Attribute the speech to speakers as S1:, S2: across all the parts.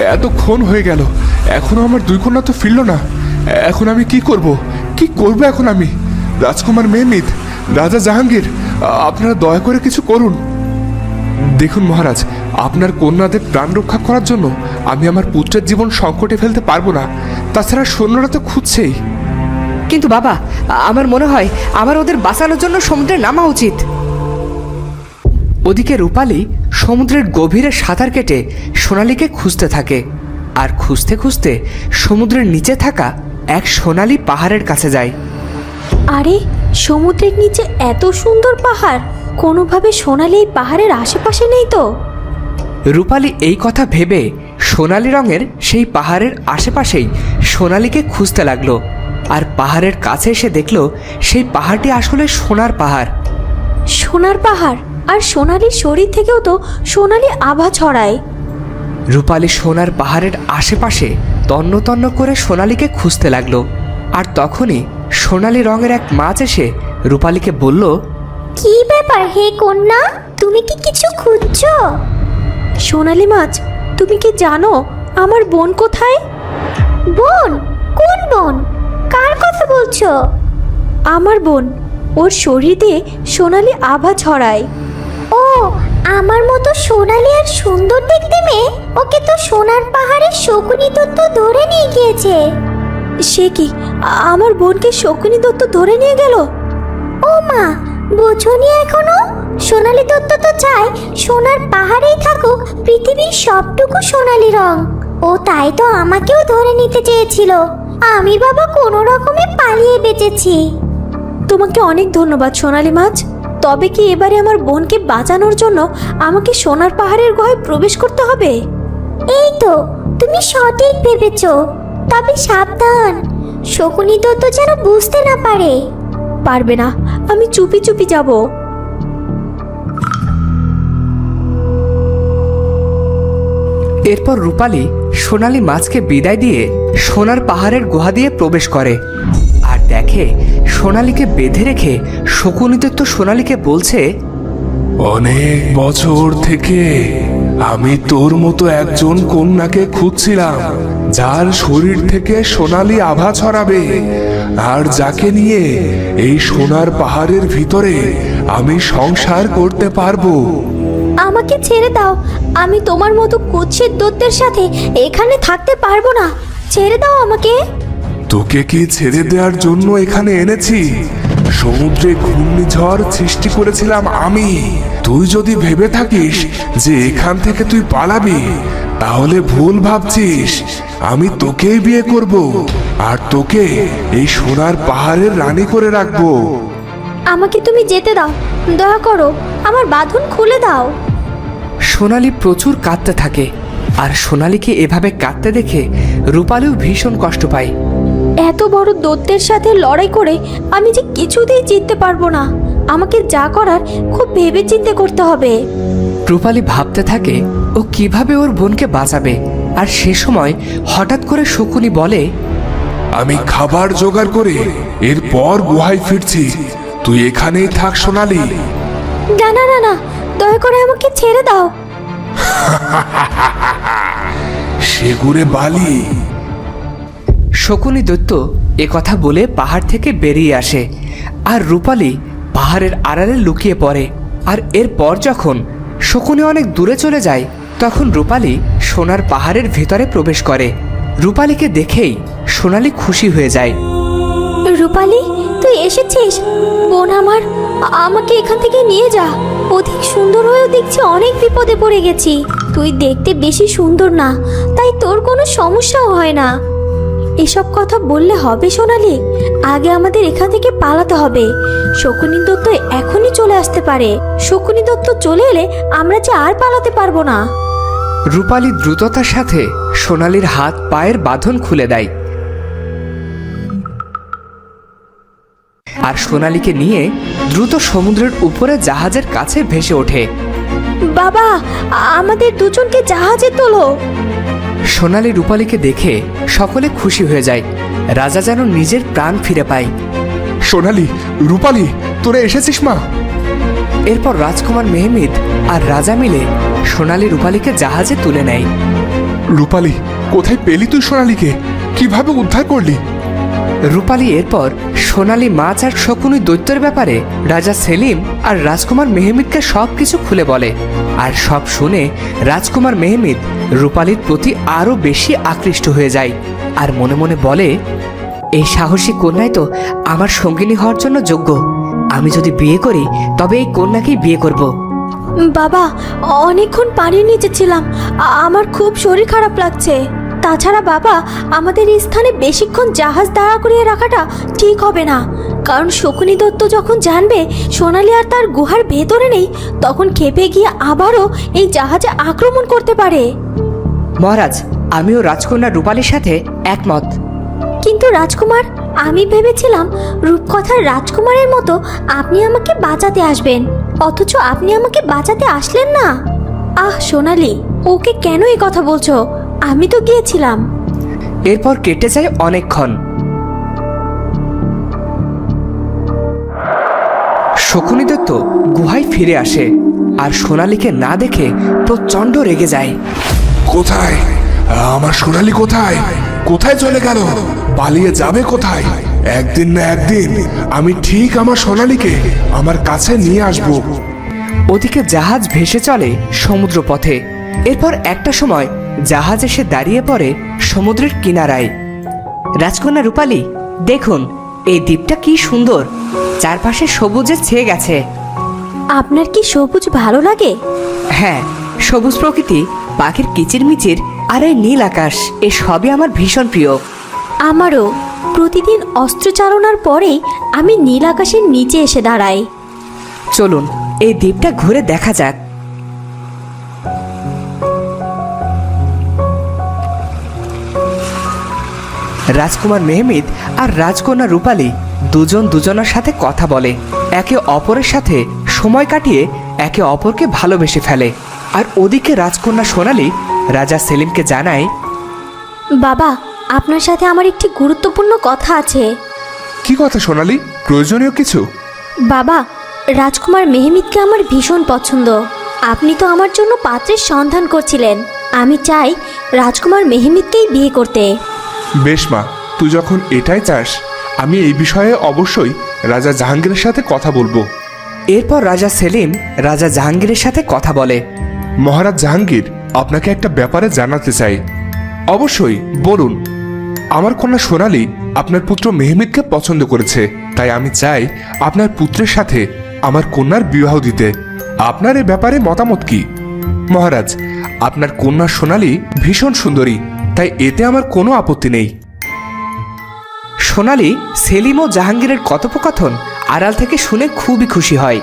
S1: এতক্ষণ হয়ে গেল, এখনো আমার দুই কন্যা তো ফিরল না। এখন আমি কি করব? কি করব এখন আমি? রাজকুমার মেহমিদ, রাজা জাহাঙ্গীর, আপনারা দয়া করে কিছু করুন। দেখুন মহারাজ, আপনার কন্যাদের প্রাণ রক্ষা করার জন্য আমি আমার পুত্রের জীবন সংকটে ফেলতে পারবো না। তাছাড়া সৈন্যরা তো খুঁজছেই।
S2: কিন্তু বাবা, আমার মনে হয় আমার ওদের বাঁচানোর জন্য সমুদ্রে নামা উচিত। ওদিকে রূপালী সমুদ্রের গভীরে সাঁতার কেটে সোনালীকে খুঁজতে থাকে, আর খুঁজতে খুঁজতে সমুদ্রের নিচে থাকা এক সোনালী পাহাড়ের কাছে যায়।
S3: আরে, সমুদ্রের নিচে এত সুন্দর পাহাড়, কোনোভাবে সোনালি এই পাহাড়ের আশেপাশে নেই তো?
S2: রূপালী এই কথা ভেবে সোনালী রঙের সেই পাহাড়ের আশেপাশেই সোনালীকে খুঁজতে লাগলো। আর পাহাড়ের কাছে এসে দেখলো সেই পাহাড়টি আসলে সোনার পাহাড়।
S3: সোনার পাহাড়? আর সোনালির শরীর থেকেও তো সোনালি আভা ছড়ায়।
S2: রূপালী সোনার পাহাড়ের আশেপাশে তন্ন তন্ন করে সোনালীকে খুঁজতে লাগলো। আর তখনই সোনালী রঙের এক মাছ এসে রূপালীকে বলল,
S4: কি ব্যাপার হে কন্যা, তুমি কি কিছু খুঁজছো?
S3: সোনালি মাছ, তুমি কি জানো আমার বোন কোথায়?
S4: বোন? কোন বোন? কার কথা বলছো?
S3: আমার বোন, ওর শরীর দিয়ে সোনালি আভা ছড়ায়।
S4: ও, আমার মতো সোনালি আর সুন্দর দেখতে মেয়ে, ওকে তো সোনার পাহাড়ের শকুনি দত্ত ধরে নিয়ে গিয়েছে।
S3: সে কি, আমার বোনকে শকুনি দত্ত ধরে নিয়ে গেল?
S4: ও মা, বোঝনি এখনো? সোনালি দত্ত তো চায় সোনার পাহাড়েই থাকুক পৃথিবীর সবটুকু সোনালি রং। ও তাই তো আমাকেও ধরে নিতে চেয়েছিল, আমি বাবা কোনো রকমে পালিয়ে বেঁচেছি।
S3: তোমাকে অনেক ধন্যবাদ সোনালি মাছ। তবে কি এবারে আমার বোনকে বাঁচানোর জন্য আমাকে সোনার পাহাড়ের গুহায় প্রবেশ করতে হবে?
S4: এই তো, তুমি সঠিক ভেবেছো। তবে সাবধান, শকুনি দত্ত যেন বুঝতে না পারে।
S3: পারবে না, আমি চুপি চুপি যাব।
S2: এরপর রূপালী সোনালী মাছকে বিদায় দিয়ে সোনার পাহাড়ের গুহা দিয়ে প্রবেশ করে। আর দেখে সোনালীকে বেঁধে রেখে শকুনি দত্ত সোনালীকে বলছে,
S1: অনেক বছর থেকে আমি তোর মতো একজন কন্যাকে খুঁজছিলাম, যার শরীর থেকে সোনালী আভা ছড়াবে, আর যাকে নিয়ে এই সোনার পাহাড়ের ভিতরে আমি সংসার করতে পারবো।
S3: আমাকে ছেড়ে দাও, আমি তোমার মতো কুৎসিত দত্তের সাথে এখানে থাকতে পারবো না। ছেড়ে দাও আমাকে।
S1: তোকে কি ছেড়ে দেওয়ার জন্য এখানে এনেছি? সমুদ্রে ঘূর্ণিঝড় সৃষ্টি করেছিলাম আমি। তুই যদি ভেবে থাকিস যে এখান থেকে তুই পালাবি, তাহলে ভুল ভাবছিস। আমি তোকেই বিয়ে করব, আর তোকে এই সোনার পাহাড়ের রানী করে রাখবো।
S3: আমাকে তুমি যেতে দাও, দয়া করো, আমার বাঁধন খুলে দাও।
S2: সোনালী প্রচুর কাঁদতে থাকে। আর সোনালীকে এভাবে কাঁদতে দেখে রূপালীও ভীষণ কষ্ট পায়।
S3: এত বড় দত্তের সাথে লড়াই করে আমি যে কিছুতেই জিততে পারবো না। আমাকে যা করার খুব ভেবে চিন্তে করতে হবে।
S2: রূপালী ভাবতে থাকে ও কিভাবে ওর বোনকে বাঁচাবে। আর সে সময় হঠাৎ করে শকুনি বলে,
S1: আমি খাবার জোগাড় করে এরপর গুহায় ফিরছি, তুই এখানেই থাক সোনালী।
S3: না না না না, দয়া করে আমাকে ছেড়ে দাও।
S1: সেগুড়ে বালি।
S2: শকুনি দত্ত এ কথা বলে পাহাড় থেকে বেরিয়ে আসে। আর রূপালী পাহাড়ের আড়ালে লুকিয়ে পড়ে। আর এরপর যখন শকুনি অনেক দূরে চলে যায়, তখন রূপালী সোনার পাহাড়ের ভেতরে প্রবেশ করে। রূপালীকে দেখেই সোনালী খুশি হয়ে যায়।
S3: রূপালী, তুই এসেছিস? বোন আমার, আমাকে এখান থেকে নিয়ে যা। অধিক সুন্দর হয়েও দেখছি অনেক বিপদে পড়ে গেছি। তুই দেখতে বেশি সুন্দর না, তাই তোর কোনো সমস্যাও হয় না। এসব কথা বললে হবে সোনালী? আগে আমাদের এখান থেকে পালাতে হবে। শকুনি দত্ত এখনই চলে আসতে পারে। শকুনি দত্ত চলে এলে আমরা যে আর পালাতে পারবো না।
S2: রূপালী দ্রুততার সাথে সোনালীর হাত পায়ের বাঁধন খুলে দেয়। আর সোনালীকে নিয়ে দ্রুত সমুদ্রের উপরে জাহাজের কাছে ভেসে ওঠে।
S3: বাবা, আমাদের দুজনকে জাহাজে তোলো।
S2: সোনালী রূপালীকে দেখে সকলে খুশি হয়ে যায়। রাজা যেন নিজের প্রাণ ফিরে পায়।
S1: সোনালী, রূপালী, তোরা এসেছিস মা?
S2: এরপর রাজকুমার মেহমিদ আর রাজা মিলে সোনালী রূপালীকে জাহাজে তুলে নেয়।
S1: রূপালী, কোথায় পেলি তুই সোনালীকে? কিভাবে উদ্ধার করলি?
S2: রূপালী এরপর সোনালী মাছ আর শকুনি দৈত্যের ব্যাপারে রাজা সেলিম আর রাজকুমার মেহমিদকে সব কিছু খুলে বলে। আর সব শুনে রাজকুমার মেহমিদ রূপালীর প্রতি আরও বেশি আকৃষ্ট হয়ে যায় আর মনে মনে বলে, এই সাহসী কন্যাই তো আমার সঙ্গিনী হওয়ার জন্য যোগ্য। আমি যদি বিয়ে করি তবে এই কন্যাকেই বিয়ে করব।
S3: বাবা, অনেকক্ষণ পানির নিচে ছিলাম, আমার খুব শরীর খারাপ লাগছে। তাছাড়া বাবা, আমাদের এই স্থানে বেশিক্ষণ জাহাজ দাঁড়া করিয়ে রাখাটা ঠিক হবে না, কারণ শকুনি দত্ত যখন জানবে সোনালী আর তার গুহার ভেতরে নেই, তখন খেপে গিয়ে আবারও এই জাহাজে আক্রমণ করতে পারে।
S2: মহারাজ, আমিও রাজকন্যা রূপালীর সাথে একমত।
S3: কিন্তু রাজকুমার, আমি ভেবেছিলাম রূপকথার রাজকুমারের মতো আপনি আমাকে বাঁচাতে আসবেন, অথচ আপনি আমাকে বাঁচাতে আসলেন না। আহ সোনালী, ওকে কেন এই কথা বলছো? আমি তো গিয়েছিলাম।
S2: এরপর কেটে যায় অনেকক্ষণ। শকুনি দত্ত গুহায় ফিরে আসে আর সোনালীকে না দেখে প্রচণ্ড রেগে যায়।
S1: কোথায় আমার সোনালী? কোথায় কোথায় চলে গেল? পালিয়ে যাবে কোথায়? একদিন না একদিন আমি ঠিক আমার সোনালীকে আমার কাছে নিয়ে আসবো।
S2: ওদিকে জাহাজ ভেসে চলে সমুদ্র পথে। এরপর একটা সময় জাহাজ এসে দাঁড়িয়ে পড়ে সমুদ্রের কিনারায়। রাজকন্যা রূপালী, দেখুন এই দ্বীপটা কি সুন্দর, চারপাশে সবুজে ছেয়ে গেছে।
S3: আপনার কি সবুজ ভালো লাগে?
S2: হ্যাঁ, সবুজ প্রকৃতি, পাখির কিচিরমিচির আর এই নীল আকাশ, এ সবই আমার ভীষণ প্রিয়।
S3: আমারও। প্রতিদিন অস্ত্রচালনার পরেই আমি নীল আকাশের নিচে এসে দাঁড়াই।
S2: চলুন এই দ্বীপটা ঘুরে দেখা যাক। রাজকুমার মেহমিদ আর রাজকন্যা রূপালী দুজন দুজনের সাথে কথা বলে, একে অপরের সাথে সময় কাটিয়ে একে অপরকে ভালোবেসে ফেলে। আর ওদিকে রাজকন্যা সোনালী রাজা সেলিমকে জানায়,
S3: বাবা, আপনার সাথে আমার একটি গুরুত্বপূর্ণ কথা আছে।
S1: কি কথা সোনালী? প্রয়োজনীয় কিছু?
S3: বাবা, রাজকুমার মেহমিদকে আমার ভীষণ পছন্দ। আপনি তো আমার জন্য পাত্রের সন্ধান করছিলেন। আমি চাই রাজকুমার মেহমিদকেই বিয়ে করতে।
S1: বেশ মা, তুই যখন এটাই চাস, আমি এই বিষয়ে অবশ্যই রাজা জাহাঙ্গীরের সাথে কথা বলবো।
S2: এরপর রাজা সেলিম রাজা জাহাঙ্গীরের সাথে কথা বলে।
S1: মহারাজ জাহাঙ্গীর, আপনাকে একটা ব্যাপারে জানাতে চাই। অবশ্যই বলুন। আমার কন্যা সোনালী আপনার পুত্র মেহমিদকে পছন্দ করেছে, তাই আমি চাই আপনার পুত্রের সাথে আমার কন্যার বিবাহ দিতে। আপনার এ ব্যাপারে মতামত কি? মহারাজ, আপনার কন্যা সোনালী ভীষণ সুন্দরী, তাই এতে আমার কোনো আপত্তি নেই।
S2: সোনালী সেলিম ও জাহাঙ্গীরের কথোপকথন আড়াল থেকে শুনে খুবই খুশি হয়।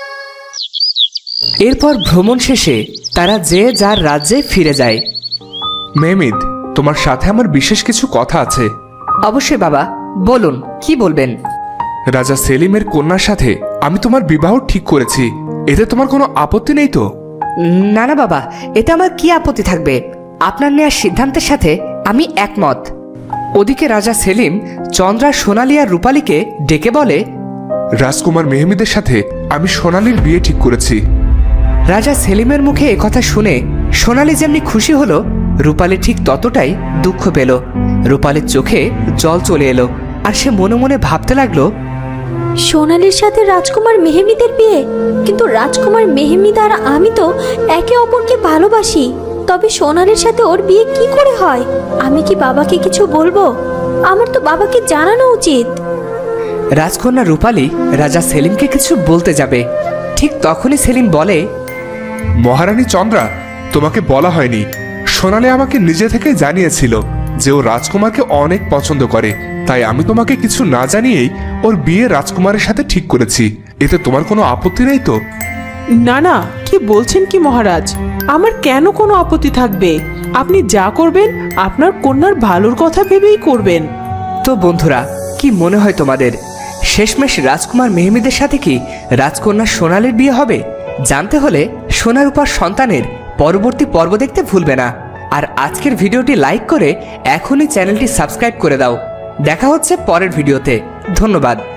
S2: এরপর ভ্রমণ শেষে তারা যে যার রাজ্যে ফিরে যায়।
S1: মেহমিদ, তোমার সাথে আমার বিশেষ কিছু কথা আছে।
S2: অবশ্যই বাবা, বলুন কি বলবেন।
S1: রাজা সেলিমের কন্যার সাথে আমি তোমার বিবাহ ঠিক করেছি, এতে তোমার কোনো আপত্তি নেই তো?
S2: না না বাবা, এতে আমার কি আপত্তি থাকবে? আপনার নেওয়ার সিদ্ধান্তের সাথে আমি একমত। ওদিকে রাজা সেলিম চন্দ্রা, সোনালী আর রূপালীকে ডেকে বলে,
S1: রাজকুমার মেহমিদের সাথে আমি সোনালীর বিয়ে ঠিক করেছি।
S2: রাজা সেলিমের মুখে একথা শুনে সোনালী যেমনি খুশি হলো, রূপালী ঠিক ততটাই দুঃখ পেল। রূপালীর চোখে জল চলে এলো আর সে মনে মনে ভাবতে লাগলো,
S3: সোনালীর সাথে রাজকুমার মেহমিদের বিয়ে? কিন্তু রাজকুমার মেহমিদ আর আমি তো একে অপরকে ভালোবাসি। তবে সোনালীর সাথে ওর বিয়ে কি করে হয়? আমি কি বাবাকে কিছু বলবো? আমার তো বাবাকে জানানো উচিত।
S2: রাজকন্যা রূপালী রাজা সেলিমকে কিছু বলতে যাবে, ঠিক তখনই সেলিম বলে,
S1: মহারানী চন্দ্রা, তোমাকে বলা হয়নি, সোনালী আমাকে নিজে থেকে জানিয়েছিল যে ও রাজকুমারকে অনেক পছন্দ করে, তাই আমি তোমাকে কিছু না জানিয়েই ওর বিয়ে রাজকুমারের সাথে ঠিক করেছি। এতে তোমার কোনো আপত্তি নেই তো?
S5: না না, কি বলছেন কি মহারাজ? আমার কেন কোনো আপত্তি থাকবে? আপনি যা করবেন আপনার কন্যার ভালোর কথা ভেবেই করবেন।
S2: তো বন্ধুরা, কি মনে হয় তোমাদের? শেষমেশ রাজকুমার মেহমিদের সাথে কি রাজকন্যা সোনালীর বিয়ে হবে? জানতে হলে সোনার উপর সন্তানের পরবর্তী পর্ব দেখতে ভুলবে না। আর আজকের ভিডিওটি লাইক করে এখনই চ্যানেলটি সাবস্ক্রাইব করে দাও। দেখা হচ্ছে পরের ভিডিওতে। ধন্যবাদ।